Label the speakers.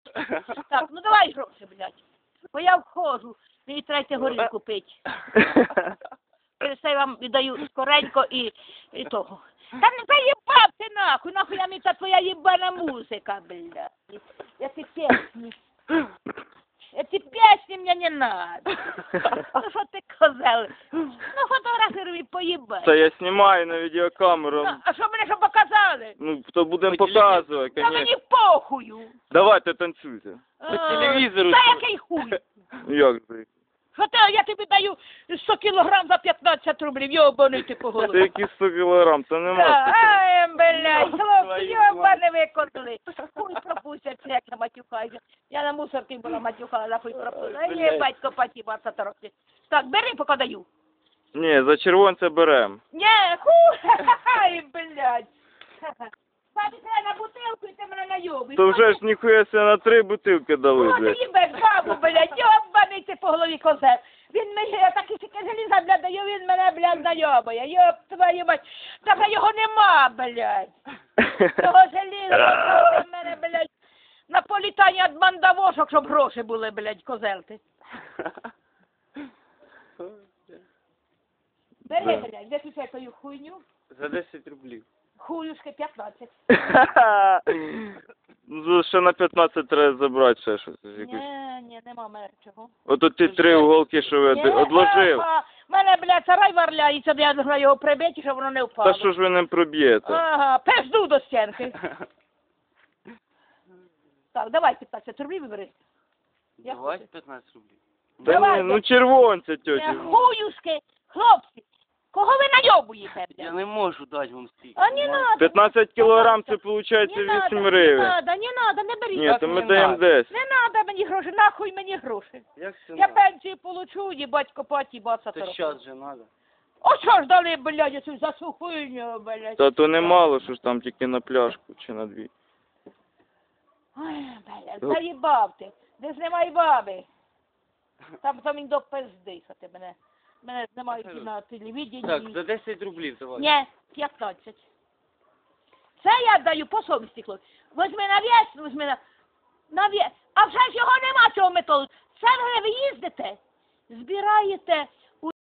Speaker 1: Так, ну давай гроші, блядь. Бо я входжу, мені треба горілку пити. Це я вам віддаю скоренько і того. Та не заїбав ти нахуй я мені та твоя їбана музика, блядь. Эти песни мне не надо. Ну що ти козел? Ну фотографируй поїбай.
Speaker 2: Це я знімаю на відеокамеру.
Speaker 1: Ну, а що мене що показали?
Speaker 2: Ну, то будемо показувати,
Speaker 1: Та
Speaker 2: конечно.
Speaker 1: мені похую.
Speaker 2: Давайте танцюйте.
Speaker 1: По телевізору. Та який хуй?
Speaker 2: Як це?
Speaker 1: Що ти, я тобі даю 100 кілограм за 15 рублів, йобаний ти по
Speaker 2: Це
Speaker 1: голові.
Speaker 2: які 100 кілограм, то нема.
Speaker 1: Ай, блядь, хлопці, йобане викотили. Хуй пропустять, як я матюхаюся. Я на мусорці була матюхала, хуй пропустять. А є батько паті 20 років. Так, бери, поки даю.
Speaker 2: Ні, за червонця берем.
Speaker 1: Ні, хуй, ай, блядь. Бабі, треба на бутилку і ти мене найобиш.
Speaker 2: То вже ж ніхуя себе на 3 бутилки дали,
Speaker 1: О, ти
Speaker 2: блядь.
Speaker 1: їбеш бабу, блядь, йобаний ти по голові козел. Він мені, я такі тільки желіза, блядь, даю, він мене, блядь, найобує. Йоб твою мать. Та вже його нема, блядь. Того желіза, в мене, блядь, на політання від мандавошок, щоб гроші були, блядь, козел ти. Бери, блядь, виключай твою хуйню.
Speaker 3: За 10 рублів.
Speaker 1: Хуюшки 15.
Speaker 2: Ну, ще на 15 треба забрати ще щось.
Speaker 1: Ні, нема мене чого.
Speaker 2: Ото ті 3 уголки, що ви одложив.
Speaker 1: Мене, блядь, сарай варляється, я должна його прибити, щоб воно не впало.
Speaker 2: Та що ж ви не проб'єте?
Speaker 1: Ага, пизду до стінки. Так, давай 15 рублів вибери.
Speaker 3: Давай 15 рублів.
Speaker 2: Та
Speaker 1: Давайте.
Speaker 2: ні, ну червонця, тьоті.
Speaker 1: Хуюшки, хлопці, кого ви найобуєте,
Speaker 3: Я
Speaker 1: блядь?
Speaker 3: не можу дати вам стільки.
Speaker 1: А не надо.
Speaker 2: 15 кілограм, це виходить 8 гривень.
Speaker 1: Не надо, не беріть.
Speaker 2: Ні, то ми даємо 10.
Speaker 1: Не надо мені гроші, нахуй мені гроші.
Speaker 3: Як це
Speaker 1: Я
Speaker 3: надо?
Speaker 1: пенсію получу, їбать копаті 20
Speaker 3: Це
Speaker 1: років.
Speaker 3: щас же надо.
Speaker 1: О, що ж дали, блядь, цю за цю хуйню, блядь.
Speaker 2: Та то немало, що ж там тільки на пляшку чи на 2.
Speaker 1: Ой, блядь, заїбав ти. Де ж немає баби? Там він до пизди, що ти мене знімають на телевіденні.
Speaker 3: Так, за 10 рублів давай.
Speaker 1: Ні, 15. Це я даю по совісті, хлопці. Возьми на вес, возьми на вес. А вже ж його нема цього методу. Це ви їздите, збираєте